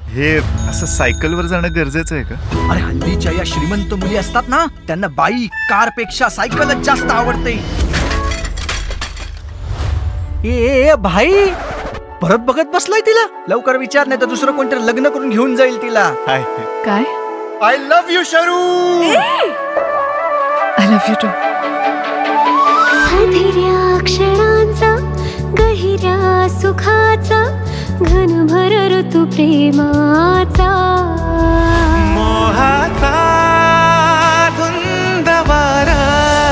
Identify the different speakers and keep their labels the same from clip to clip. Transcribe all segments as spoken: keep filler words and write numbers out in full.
Speaker 1: हे असं सायकलवर जाणं गरजेचं आहे का?
Speaker 2: अरे हल्लीच्या या श्रीमंत मुली असतात ना, त्यांना बाईक कार पेक्षा सायकलच जास्त आवडते. ए, ए ए, भाई परत बघत बसलाय तिला. लवकर विचार, नाही तर दुसरं कोणतरी लग्न करून घेऊन जाईल तिला.
Speaker 1: हाय.
Speaker 3: काय?
Speaker 2: I love you Sharu.
Speaker 3: I love you too.
Speaker 4: हधिऱ्या क्षणांचा गहिऱ्या सुखाचा घनभर ऋतू प्रेमाचा
Speaker 1: मोहाचा धुंद वारा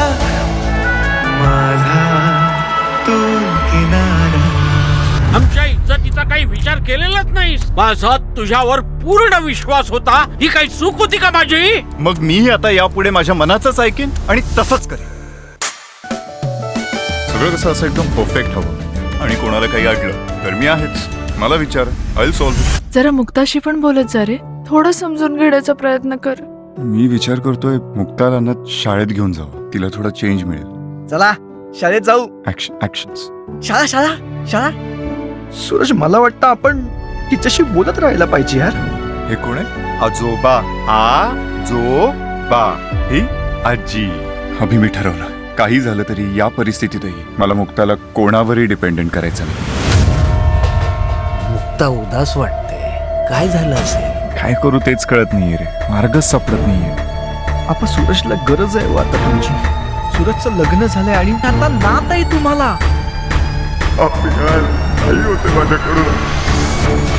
Speaker 1: माझा तू किनारा.
Speaker 5: आमच्या इज्जतीचा काही विचार केलेलाच नाहीस. माझा तुझ्यावर पूर्ण विश्वास होता. ही काही चूक होती का माझी?
Speaker 1: मग मीही आता यापुढे माझ्या मनाचंच ऐकेन आणि तसंच करेन. सगळं कसं असं एकदम परफेक्ट हवं आणि कोणाला काही अडलं तर मी आहेच. मला विचार, आय सॉल्व्ह.
Speaker 3: जरा मुक्ताशी पण बोलत जा रे. थोडं समजून घेण्याचा प्रयत्न कर.
Speaker 1: मी विचार करतोय मुक्ताला शाळेत घेऊन जावं, तिला थोडा चेंज मिळेल.
Speaker 2: चला शाळेत जाऊ.
Speaker 1: ऍक्शन्स.
Speaker 2: शाळा शाळा शाळा. सूरज, मला वाटतं आपण तिच्याशी बोलत राहायला पाहिजे यार.
Speaker 1: हे कोण आहे? आजोबा. आजोबा ही आजी. अभि मी ठरवलं, काही झालं तरी या परिस्थितीतही मला मुक्ताला कोणावरही डिपेंडेंट करायचं नाही.
Speaker 6: मुक्ता उदास वाटते. काय झालं असेल?
Speaker 1: काय करू तेच कळत नाहीये रे. मार्गच सापडत नाहीये.
Speaker 2: आपण सूरजला गरज आहे हो आता तुमची. सूरजचं लग्न झालंय आणि आता नात आहे तुम्हाला.
Speaker 1: होते माझ्याकडून.